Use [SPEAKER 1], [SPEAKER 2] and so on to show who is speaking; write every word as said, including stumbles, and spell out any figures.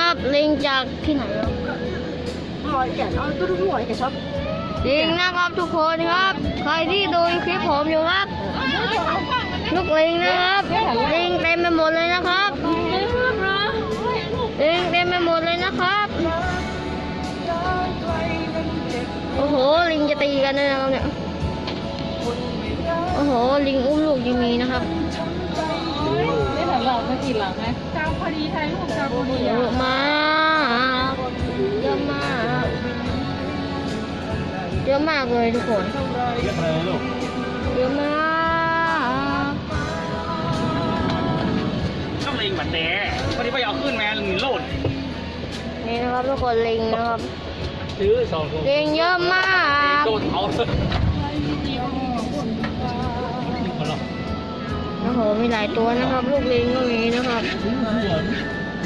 [SPEAKER 1] นะครับลิงจากที่ไหนครับ
[SPEAKER 2] หอยแก่เอาตัวหอยแก่ชอบ
[SPEAKER 1] ลิงนะครับทุกคนครับใครที่ดูคลิปผมอยู่ครับลูกลิงนะครับลิงเต็มไปหมดเลยนะครับลิงเต็มไปหมดเลยนะครับโอ้โหลิงจะตีกันเลยนะครับเนี่ยโอ้โหลิงอุ้มลูกยังมีนะครับ
[SPEAKER 2] ไม่เหมือนเราไม่กี่หลังไหมกาวพอดีไทยลูกกาวพอดี
[SPEAKER 1] เยอะมากเยอะมากเยอะมากเลยทุกคน
[SPEAKER 3] เยอะเลยลูก
[SPEAKER 1] เยอะมาก
[SPEAKER 3] ต้องลิงเหมือนแต่พอดีไปเอาขึ้นแมนโลด
[SPEAKER 1] นี่นะครับทุกคนลิงนะครับ
[SPEAKER 3] ซื้อสองตัว
[SPEAKER 1] ลิงเยอะมาก
[SPEAKER 3] โดนเขาเลย
[SPEAKER 1] โอ้โหมีหลายตัวนะครับ ลูกลิงก็มีนะครับ
[SPEAKER 3] ซื้อหัว